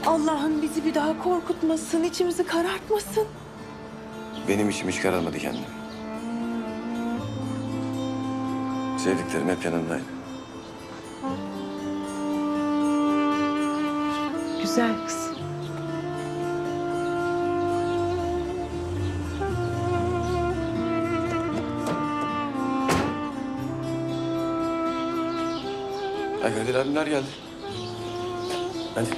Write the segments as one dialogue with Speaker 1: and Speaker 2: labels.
Speaker 1: Allah'ım bizi bir daha korkutmasın, içimizi karartmasın.
Speaker 2: Benim içim hiç kararmadı kendim. Sevdiklerim hep yanımdaydı.
Speaker 1: Güzel kız.
Speaker 2: Ay Kadir abimler geldi. Hadi.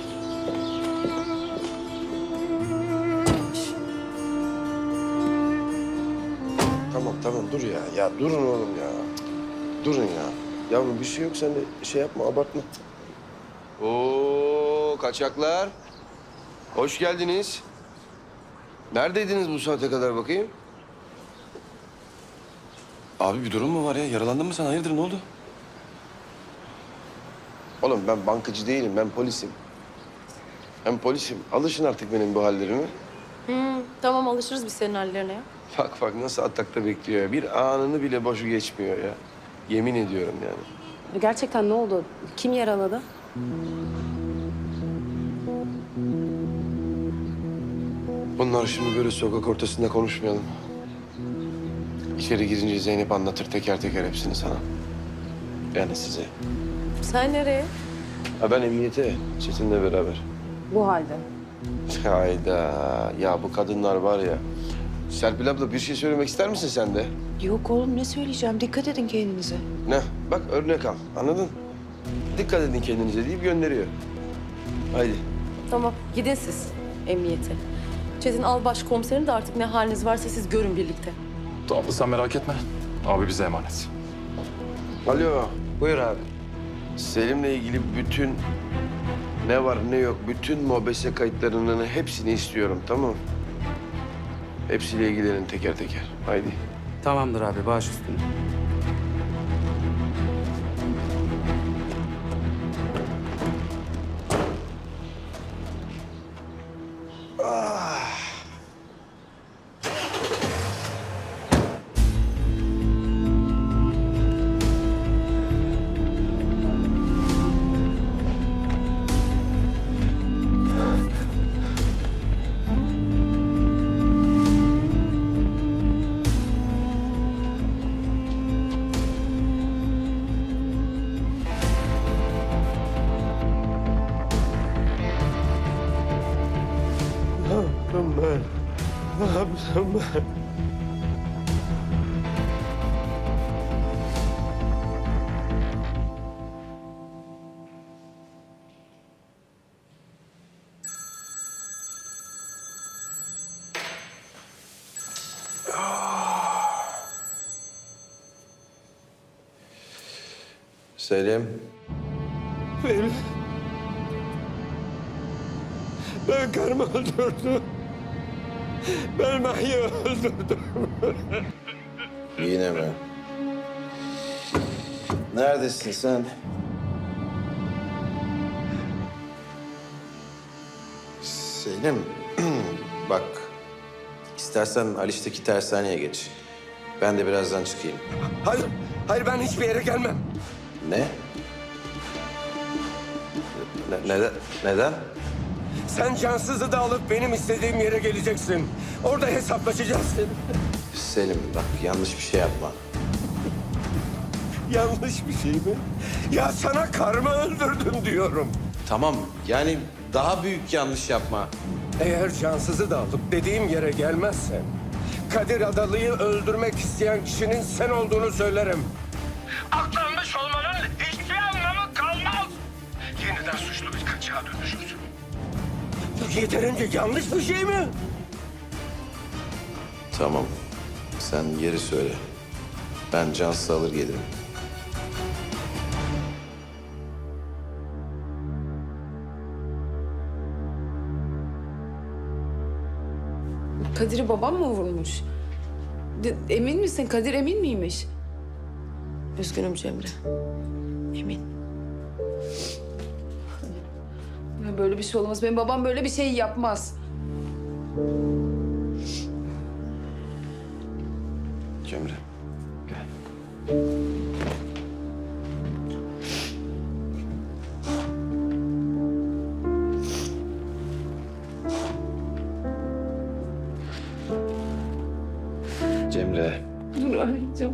Speaker 3: Tamam dur ya. Ya durun oğlum ya. Durun ya. Yavrum bir şey yok sen de şey yapma abartma. Oo kaçaklar. Hoş geldiniz. Neredeydiniz bu saate kadar bakayım?
Speaker 2: Abi bir durum mu var ya? Yaralandın mı sen? Hayırdır ne oldu?
Speaker 3: Oğlum ben bankacı değilim ben polisim. Hem polisim. Alışın artık benim bu hallerime.
Speaker 4: Tamam alışırız biz senin hallerine ya.
Speaker 3: Bak nasıl atakta bekliyor ya. Bir anını bile boşu geçmiyor ya. Yemin ediyorum yani.
Speaker 4: Gerçekten ne oldu? Kim yaraladı?
Speaker 3: Bunlar şimdi böyle sokak ortasında konuşmayalım. İçeri girince Zeynep anlatır teker teker hepsini sana. Yani size.
Speaker 4: Sen nereye?
Speaker 3: Ha ben emniyete Çetin'le beraber.
Speaker 4: Bu halde.
Speaker 3: Hayda. Ya bu kadınlar var ya. Serpil abla bir şey söylemek ister misin sen de?
Speaker 1: Yok oğlum ne söyleyeceğim? Dikkat edin kendinize.
Speaker 3: Ne? Bak örnek al. Anladın? Dikkat edin kendinize deyip gönderiyor. Haydi.
Speaker 4: Tamam gidin siz emniyete. Çetin al başkomiserini de artık ne haliniz varsa siz görün birlikte.
Speaker 5: Abla sen merak etme. Abi bize emanet.
Speaker 3: Alo. Buyur abi. Selim'le ilgili bütün ne var ne yok bütün mobese kayıtlarının hepsini istiyorum tamam mı? Hepsiyle ilgilenin teker teker. Haydi.
Speaker 6: Tamamdır abi, baş üstüne.
Speaker 3: Ne yaptım ben? Selim. Ben karımı öldürdüm. Ben Mahya'yı öldürdüm.
Speaker 2: Yine mi? Neredesin sen?
Speaker 3: Selim, bak. İstersen Aliş'teki tersaneye geç. Ben de birazdan çıkayım.
Speaker 7: Hayır ben hiçbir yere gelmem.
Speaker 3: Ne? Neden? Neden?
Speaker 7: Sen cansızı da alıp benim istediğim yere geleceksin. Orada hesaplaşacağız.
Speaker 3: Selim bak yanlış bir şey yapma.
Speaker 7: Yanlış bir şey mi? Ya sana karımı öldürdüm diyorum.
Speaker 3: Tamam yani daha büyük yanlış yapma.
Speaker 7: Eğer cansızı da alıp dediğim yere gelmezsen... Kadir Adalı'yı öldürmek isteyen kişinin sen olduğunu söylerim. Aklanmış olmanın hiçbir anlamı kalmaz. Yeniden suçlu bir kaçağa dönüşürsün. Bu yeterince yanlış bir şey mi?
Speaker 3: Tamam sen yeri söyle. Ben cansız alır gelirim.
Speaker 1: Kadir'i babam mı vurmuş? Emin misin? Kadir emin miymiş?
Speaker 4: Üzgünüm Cemre. Emin.
Speaker 1: Ya böyle bir şey olmaz. Benim babam böyle bir şey yapmaz.
Speaker 2: Cemre. Cemre.
Speaker 1: Dur arayacağım.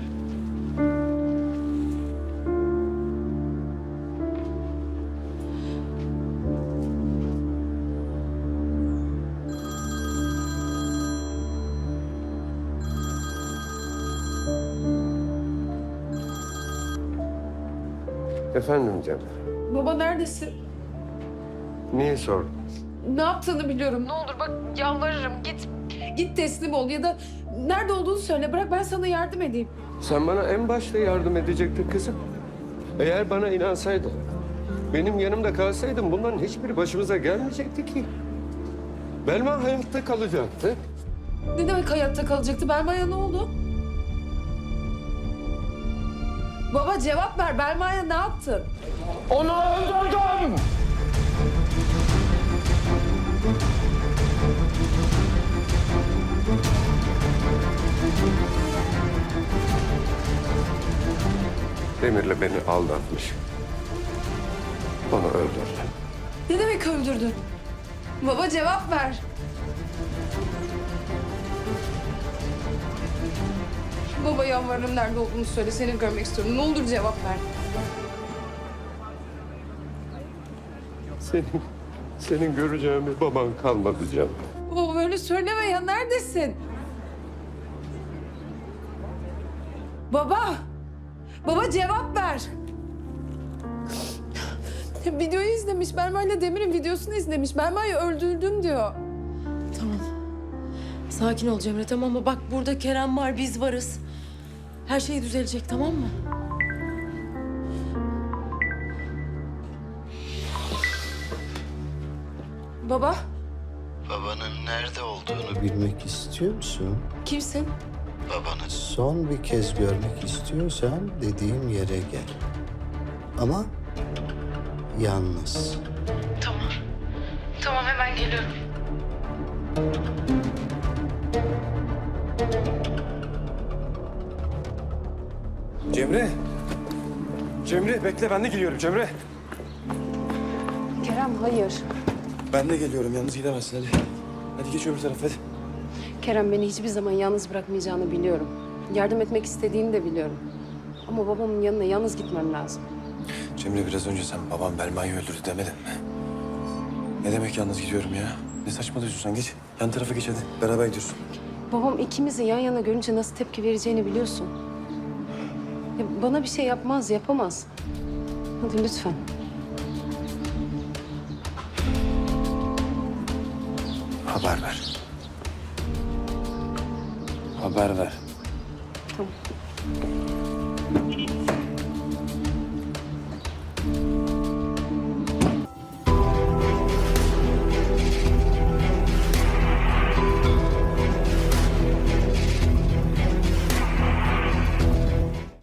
Speaker 3: Efendim Cemre.
Speaker 1: Baba neredesin?
Speaker 3: Niye sordun?
Speaker 1: Ne yaptığını biliyorum. Ne olur bak yalvarırım git. Git teslim ol ya da nerede olduğunu söyle. Bırak ben sana yardım edeyim.
Speaker 3: Sen bana en başta yardım edecektin kızım. Eğer bana inansaydın, benim yanımda kalsaydın bunların hiçbiri başımıza gelmeyecekti ki. Belma hayatta kalacaktı.
Speaker 1: Ne demek hayatta kalacaktı? Belma'ya ne oldu? Baba cevap ver. Belma'ya ne yaptın?
Speaker 7: Onu öldürdüm.
Speaker 3: Demir'le beni aldatmış. Onu öldürdü.
Speaker 1: Ne demek öldürdün? Baba cevap ver. Baba yalvarırım nerede olduğunu söyle. Seni görmek istiyorum. Ne olur cevap ver.
Speaker 3: Senin göreceğin bir baban kalmadı canım.
Speaker 1: Baba böyle söyleme ya. Neredesin? Baba. Baba cevap ver. Videoyu izlemiş. Belma ile Demir'in videosunu izlemiş. Belma'yı öldürdüm diyor.
Speaker 4: Tamam. Sakin ol Cemre, tamam mı? Bak burada Kerem var, biz varız. Her şey düzelecek, tamam mı?
Speaker 1: Baba
Speaker 8: Babanın nerede olduğunu bilmek istiyor musun?
Speaker 1: kimsin?
Speaker 8: Babanı son bir kez görmek istiyorsan dediğim yere gel. Ama yalnız.
Speaker 1: Tamam hemen geliyorum.
Speaker 2: Cemre. Cemre bekle ben de geliyorum Cemre.
Speaker 9: Kerem hayır.
Speaker 2: Ben de geliyorum yalnız gidemezsin hadi. Hadi geç öbür tarafa hadi.
Speaker 9: Kerem beni hiçbir zaman yalnız bırakmayacağını biliyorum. Yardım etmek istediğini de biliyorum. Ama babamın yanına yalnız gitmem lazım.
Speaker 2: Cemre biraz önce sen babam Belma'yı öldürdü demedin mi? Ne demek yalnız gidiyorum ya? Ne saçmalıyorsun sen geç. Yan tarafa geç hadi. Beraber gidiyorsun.
Speaker 9: Babam ikimizi yan yana görünce nasıl tepki vereceğini biliyorsun. Ya bana bir şey yapmaz, yapamaz. Hadi lütfen.
Speaker 2: Haber ver. Haber ver.
Speaker 9: Tamam.